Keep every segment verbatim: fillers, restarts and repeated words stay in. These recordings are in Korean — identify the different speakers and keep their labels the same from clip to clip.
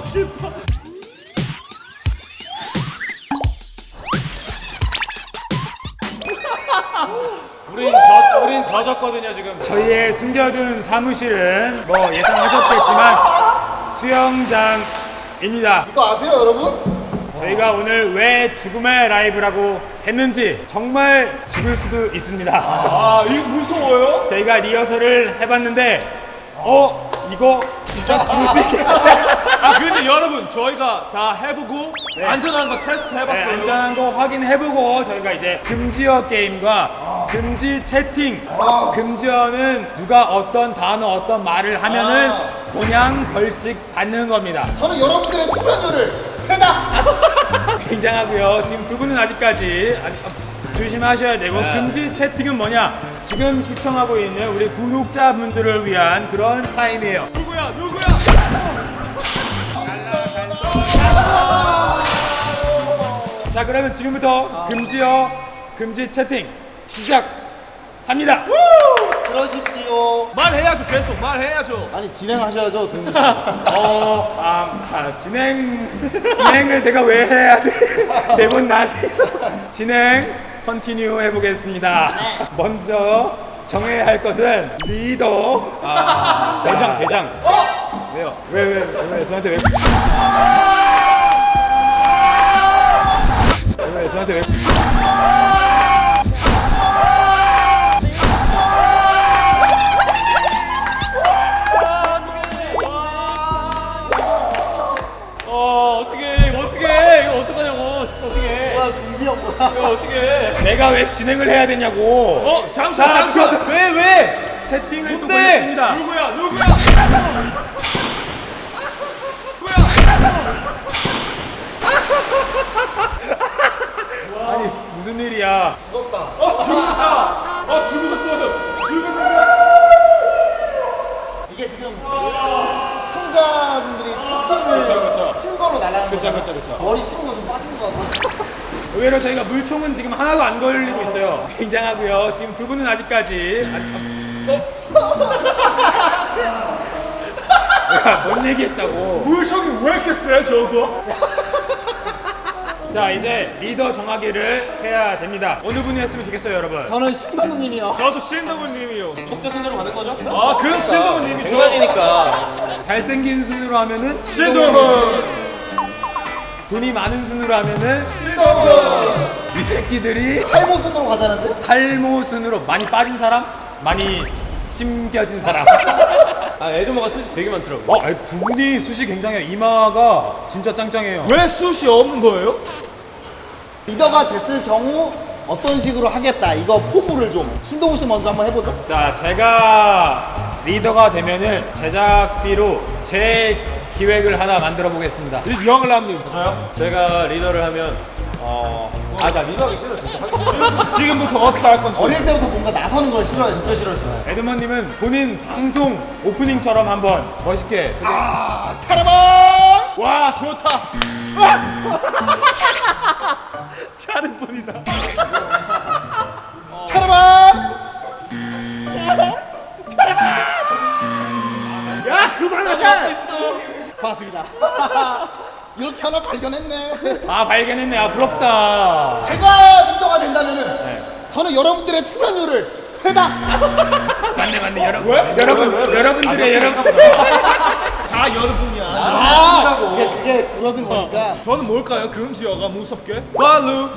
Speaker 1: 싶다.
Speaker 2: 우린 저 우린 젖었거든요 지금.
Speaker 3: 저희의 숨겨둔 사무실은 뭐 예상하셨겠지만 수영장입니다.
Speaker 4: 이거 아세요, 여러분?
Speaker 3: 저희가 오늘 왜 죽음의 라이브라고 했는지 정말 죽을 수도 있습니다.
Speaker 1: 아 이거 무서워요?
Speaker 3: 저희가 리허설을 해봤는데 어? 이거 진짜 죽을 수 있겠다.
Speaker 1: 아 근데 여러분 저희가 다 해보고 안전한 거 테스트
Speaker 3: 네,
Speaker 1: 해봤어요.
Speaker 3: 안전한 거 확인해보고 저희가 이제 금지어 게임과 금지 채팅, 금지어는 누가 어떤 단어 어떤 말을 하면은 그냥 벌칙 받는 겁니다.
Speaker 4: 저는 여러분들의 출연료를 해다.
Speaker 3: 굉장하고요. 지금 두 분은 아직까지 아직, 아, 조심하셔야 되고 금지 채팅은 뭐냐? 지금 시청하고 있는 우리 구독자분들을 위한 그런 타임이에요.
Speaker 1: 누구야 누구야?
Speaker 3: 자, 그러면 지금부터 금지어 금지 채팅 시작합니다.
Speaker 4: 그러십시오.
Speaker 1: 말해야죠 계속 말해야죠.
Speaker 4: 아니, 진행하셔야죠, 동민 씨.
Speaker 3: 어, 아, 아, 진행 진행을 내가 왜 해야 돼? 대본 나한테 진행 컨티뉴 해보겠습니다. 먼저 정해야 할 것은 리더. 아, 대장 대장. 어? 왜요? 왜 왜 왜, 왜, 저한테 왜? 왜, 왜 저한테 왜?
Speaker 1: 어 어떻게 이거 어떻게 이거 어떡하냐고 진짜 어떻게
Speaker 4: 뭐야, 좀비야, 뭐야.
Speaker 1: 이거 어떻게?
Speaker 3: 내가 왜 진행을 해야 되냐고.
Speaker 1: 어 잠시만
Speaker 3: 자,
Speaker 1: 잠시만 왜 왜?
Speaker 3: 채팅을 또
Speaker 1: 네
Speaker 3: 걸렸습니다.
Speaker 1: 누구야 누구야?
Speaker 3: 아니 무슨 일이야?
Speaker 4: 죽었다.
Speaker 1: 어 죽었다. 어 죽었어요. 죽었는데.
Speaker 4: 이게 지금 시청자분들이 채팅을
Speaker 3: 그쵸.
Speaker 4: 친 걸로 날아간
Speaker 3: 그쵸,
Speaker 4: 거죠.
Speaker 3: 그쵸, 그쵸.
Speaker 4: 머리 씹은 거 좀 빠진 거 같고.
Speaker 3: 의외로 저희가 물총은 지금 하나도 안 걸리고 있어요. 굉장하고요. 지금 두 분은 아직까지 야, 뭔 얘기했다고?
Speaker 1: 물총이 왜 이렇게 세 저거?
Speaker 3: 자, 이제 리더 정하기를 해야 됩니다. 어느 분이 했으면 좋겠어요, 여러분?
Speaker 4: 저는 신동훈님이요.
Speaker 1: 저도 신동훈님이요.
Speaker 2: 독자 순으로 가는 거죠?
Speaker 1: 아 그럼 신동훈님이죠.
Speaker 2: 백만이니까.
Speaker 3: 잘생긴 순으로 하면은
Speaker 1: 신동훈.
Speaker 3: 돈이 많은 순으로 하면은
Speaker 4: 신동훈.
Speaker 3: 이 새끼들이
Speaker 4: 탈모 순으로 가자는데?
Speaker 3: 탈모 순으로 많이 빠진 사람, 많이 심겨진 사람.
Speaker 2: 아 에드머가 숱이 되게 많더라고.
Speaker 3: 어, 아니, 두 분이 숱이 굉장해요. 이마가 진짜 짱짱해요.
Speaker 1: 왜 숱이 없는 거예요?
Speaker 4: 리더가 됐을 경우 어떤 식으로 하겠다. 이거 포부를 좀. 신동훈 씨 먼저 한번 해보죠.
Speaker 3: 자, 제가 리더가 되면은 제작비로 제 기획을 하나 만들어 보겠습니다.
Speaker 1: 영을남님
Speaker 2: 저요? 제가 리더를 하면 어. 아 나 리더하기 싫어 진짜. 하기
Speaker 1: 지금부터 어떻게 할 건지.
Speaker 4: 어릴 때부터 뭔가 나서는 걸 싫어했죠.
Speaker 2: 진짜 싫어했어요.
Speaker 3: 에드먼님은 본인 방송 오프닝처럼 한번 멋있게 소개.
Speaker 4: 아, 차라바!
Speaker 1: 와 좋다. 차는 뿐이다.
Speaker 4: 차라바!
Speaker 1: 야 그만해.
Speaker 4: 고맙습니다. 이렇게 하나 발견했네.
Speaker 3: 아, 발견했네. 아, 부럽다.
Speaker 4: 제가 리더가 된다면은 저는 여러분들의 출연료를 해다.
Speaker 3: 맞네, 맞네. 여러분, 여러분, 여러분들의 여러분.
Speaker 1: 다 여러분이야.
Speaker 4: 아, 그게, 그게 줄어든 거니까.
Speaker 1: 저는 뭘까요? 금지어가 무섭게. 발루,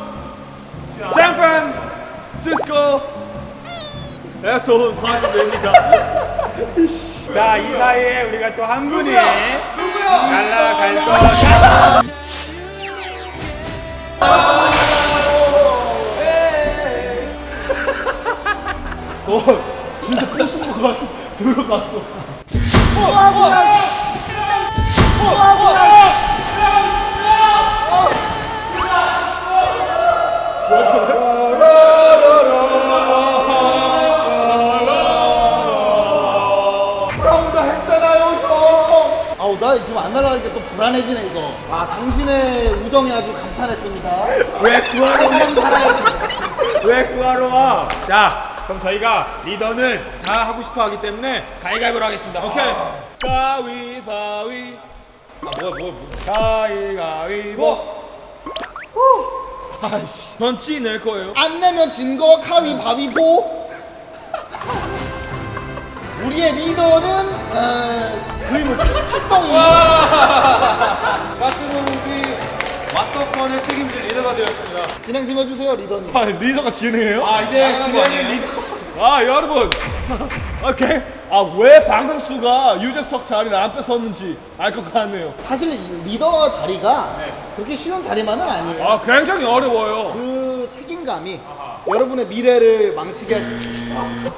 Speaker 1: 샌프란시스코, 에서 과주입니다.
Speaker 3: 자, 이 사이에 우리가 또 한 분이
Speaker 1: 누구야?
Speaker 3: 날라갈 것.
Speaker 1: 어, 진짜 포스가 들어갔어.
Speaker 4: 우와, 뭐야. 우와, 뭐야. 브라운다 했잖아요, 형. 아우, 나 지금 안 날아가니까 또 불안해지네, 이거. 아, 당신의 우정에 아주 감탄했습니다.
Speaker 3: 왜 구하러
Speaker 4: 내 사람이 살아야지.
Speaker 3: 왜 구하러 와? 자, 그럼 저희가 리더는 다 하고 싶어 하기 때문에 가위바위보로 하겠습니다. 오케이.
Speaker 1: 가위바위
Speaker 2: 아 뭐야 뭐야 뭐야.
Speaker 3: 가위가위보.
Speaker 1: 아이씨. 전 찌 낼 거예요.
Speaker 4: 안 내면 진 거 가위바위보. 우리의 리더는 어, 거의 뭐 핏덩이.
Speaker 2: 까투로기 왓더펀의 책임질 리더가 되었습니다.
Speaker 4: 진행 좀 해주세요 리더님.
Speaker 1: 아 리더가 진행해요?
Speaker 3: 아 이제 진행은
Speaker 2: 아니에요?
Speaker 3: 리더.
Speaker 1: 아 여러분. 오케이. 아 왜 방금수가 유재석 자리를 안 뺏었는지 알 것 같네요.
Speaker 4: 사실 이 리더 자리가 그렇게 쉬운 자리만은 아니에요.
Speaker 1: 아 굉장히 어려워요.
Speaker 4: 그 책임감이 여러분의 미래를 망치게 할 수 있어요.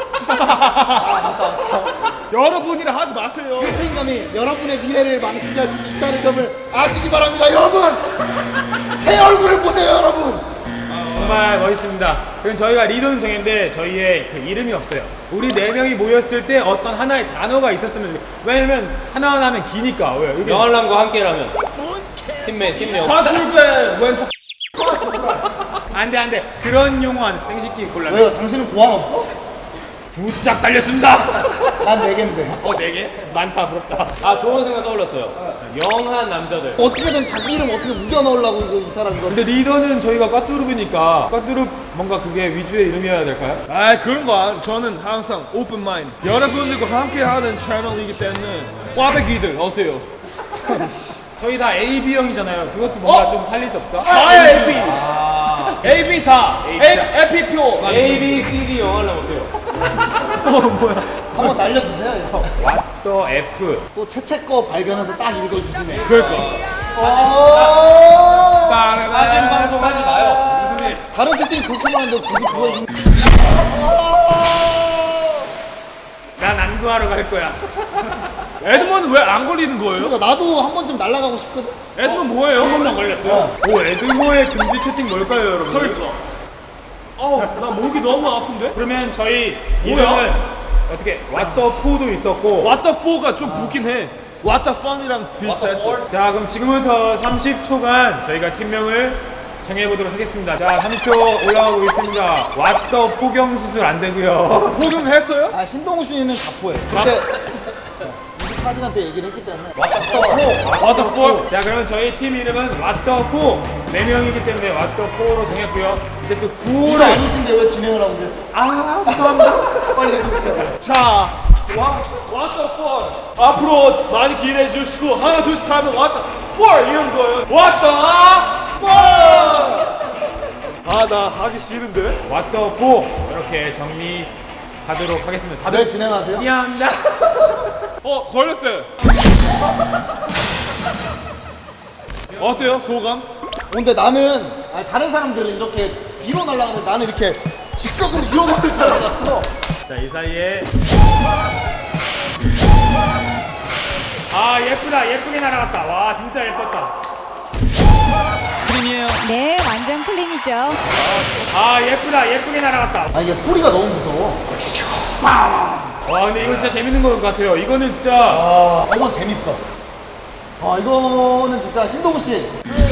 Speaker 1: 여러분이라 하지 마세요.
Speaker 4: 그 책임감이 여러분의 미래를 망치게 할 수 있다는 점을 아시기 바랍니다, 여러분. 제 얼굴을 보세요, 여러분.
Speaker 3: 정말 멋있습니다. 그럼 저희가 리더는 정했는데 저희의 그 이름이 없어요. 우리 네 명이 모였을 때 어떤 하나의 단어가 있었으면 좋겠어요. 왜냐면 하나하나 하면 기니까. 왜? 여기
Speaker 2: 영알람과 함께라면 팀맨 팀명.
Speaker 1: 파출배 왼쪽.
Speaker 3: 안돼 안돼 그런 용어 안 써. 생식기 곤란.
Speaker 4: 왜요? 당신은 고안 없어?
Speaker 3: 두 짝 달렸습니다.
Speaker 4: 난 네 개인데.
Speaker 3: 어 네 개? 많다 부럽다.
Speaker 2: 아 좋은 생각 떠올랐어요. 영한 남자들.
Speaker 4: 어떻게든 자기 이름 어떻게 우겨 넣으려고 이거 이 사람 이거.
Speaker 3: 근데 리더는 저희가 까뚜룹이니까 까뚜룹 뭔가 그게 위주의 이름이어야 될까요?
Speaker 1: 아 그런 거 안. 저는 항상 오픈 마인드. 여러분들과 함께하는 채널이기 때문에 꽈배기들 어때요?
Speaker 3: 저희 다 에이 비 형이잖아요. 그것도 뭔가
Speaker 1: 어?
Speaker 3: 좀 살릴 수 없다.
Speaker 1: 사야 에이 비.
Speaker 3: 아,
Speaker 1: 에이 비 사. 에피표.
Speaker 2: A B C D 영알람 어때요?
Speaker 4: 한번 날려주세요, 이거.
Speaker 3: 또 F.
Speaker 4: 또 채채 거 발견해서 딱 읽어주시네.
Speaker 1: 그러니까.
Speaker 4: 어.
Speaker 2: 사진 방송하지 마요.
Speaker 3: 무슨 일?
Speaker 4: 다른 채팅이 그렇게 많은데 굳이 그거 읽.
Speaker 3: 난 안구하러 갈 거야.
Speaker 1: 에드먼은 왜 안 걸리는 거예요?
Speaker 4: 그러니까 나도 한 번쯤 날아가고 싶거든.
Speaker 1: 에드먼 뭐예요?
Speaker 3: 한 번도 안 걸렸어요. 오 에드모의 금지 채팅 뭘까요, 여러분?
Speaker 1: 그러니까. 어우 나 목이 너무 아픈데?
Speaker 3: 그러면 저희
Speaker 1: 뭐야?
Speaker 3: 이름은 어떻게 왓더포도 있었고.
Speaker 1: 왓더 포가 좀 붙긴 해. 왓더 펀이랑 비슷했어.
Speaker 3: 자 그럼 지금부터 삼십 초간 저희가 팀명을 정해보도록 하겠습니다. 자 삼십 초 올라가고 있습니다. 왓더 포경 수술 안 되고요.
Speaker 1: 포경했어요?
Speaker 4: 아 신동우 씨는 자포해. 그때 이십사 시간 때 얘기를 했기 때문에. 왓더
Speaker 1: 왓더 포.
Speaker 3: 자 그러면 저희 팀 이름은 왓더포 네 명이기 때문에 왓더포로 정했고요. 이제 또
Speaker 4: 이거
Speaker 3: 구호를
Speaker 4: 아니신데 왜 진행을 하고 계세요?
Speaker 3: 아 죄송합니다.
Speaker 4: 빨리 해주세요.
Speaker 1: 자, 와, 왓더 포. 앞으로 많이 기대해 주시고 하나 둘 셋 하면 왓더 포 이런 거예요. 왓더 아, 나 하기 싫은데?
Speaker 3: 왓더포 이렇게 정리하도록 하겠습니다. 다들
Speaker 4: 네 진행하세요.
Speaker 3: 미안합니다.
Speaker 1: 어, 걸렸대. 어때요, 소감?
Speaker 4: 근데 나는 아니, 다른 사람들은 이렇게 뒤로 날아가는데 나는 이렇게 직각으로 이러고 날아갔어.
Speaker 3: 자 이 사이에 아 예쁘다 예쁘게 날아갔다. 와 진짜 예뻤다.
Speaker 5: 네, 완전 클린이죠.
Speaker 3: 아 예쁘다 예쁘게 날아갔다.
Speaker 4: 아 이게 소리가 너무 무서워.
Speaker 3: 와 근데 이거 진짜 재밌는 것 같아요. 이거는 진짜
Speaker 4: 아 이건 재밌어. 아 이거는 진짜 신동우 씨.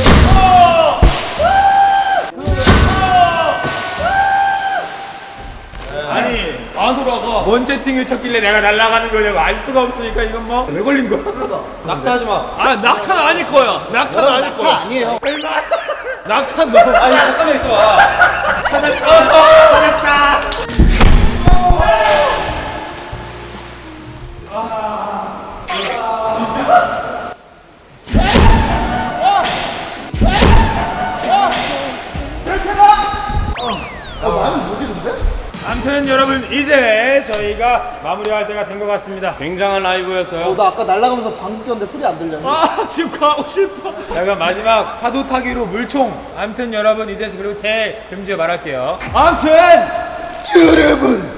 Speaker 3: 아니
Speaker 1: 안 돌아가.
Speaker 3: 뭔 채팅을 쳤길래 내가 날아가는 거냐고 알 수가 없으니까 이건 뭐 왜 걸린 거야?
Speaker 2: 낙타하지 마.
Speaker 1: 아, 낙탄 아닐 거야. 낙탄
Speaker 4: 여러분
Speaker 1: 아닐
Speaker 4: 낙타
Speaker 1: 거야.
Speaker 4: 아니에요.
Speaker 3: 얼마?
Speaker 1: 낙탄 너무.
Speaker 2: 아니 잠깐만 있어봐.
Speaker 3: 찾았다.
Speaker 4: 아 많이 뭐지 근데?
Speaker 3: 아무튼 여러분 이제 저희가 마무리할 때가 된 것 같습니다.
Speaker 2: 굉장한 라이브였어요.
Speaker 4: 어, 나 아까 날아가면서 방귀 꼈는데 소리 안 들렸네.
Speaker 1: 아, 지금 가고 싶다.
Speaker 3: 자 그럼 마지막 파도 타기로 물총. 아무튼 여러분 이제 그리고 제 금지어 말할게요.
Speaker 1: 아무튼
Speaker 4: 여러분.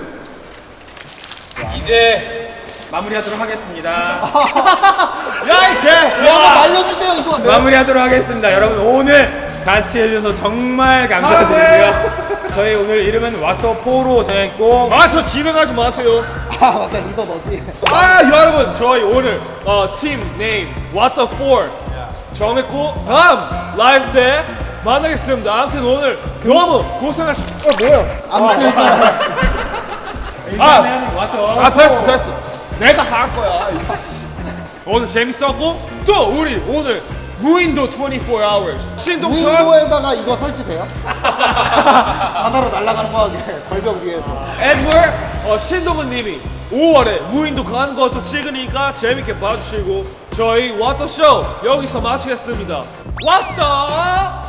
Speaker 2: 이제
Speaker 3: 마무리하도록 하겠습니다.
Speaker 1: 야, 이 개.
Speaker 4: 야, 한번 날려주세요 이거. 네.
Speaker 3: 마무리하도록 하겠습니다. 여러분 오늘 같이 해주셔서 정말 감사드리고요. 저희 오늘 이름은 왓더포로 정했고
Speaker 1: 아, 저 진행하지 마세요.
Speaker 4: 아 맞다 리더 너지.
Speaker 1: 아, 여러분, 저희 오늘 어, 팀 네임 왓더 포 정했고 다음 라이브 때 만나겠습니다. 아무튼 오늘 너무 고생하셨.
Speaker 4: 어 뭐야? 아무튼 했잖아.
Speaker 3: 일단은 왓더
Speaker 1: 아, 됐어, 됐어. 내가 할 거야. 오늘 재밌었고 또 우리 오늘 무인도 이십사 hours 신동철
Speaker 4: 무인도에다가 이거 설치돼요? 바다로 날아가는 거야 이게 절벽 위에서.
Speaker 1: 에드월 어, 신동훈 님이 오월에 무인도 가는 것도 찍으니까 재밌게 봐주시고 저희 워터쇼 여기서 마치겠습니다. 왔다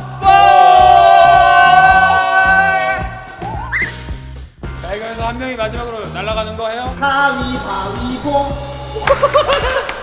Speaker 3: 자, 이거에서 한 명이 마지막으로 날아가는 거 해요?
Speaker 4: 가위바위보.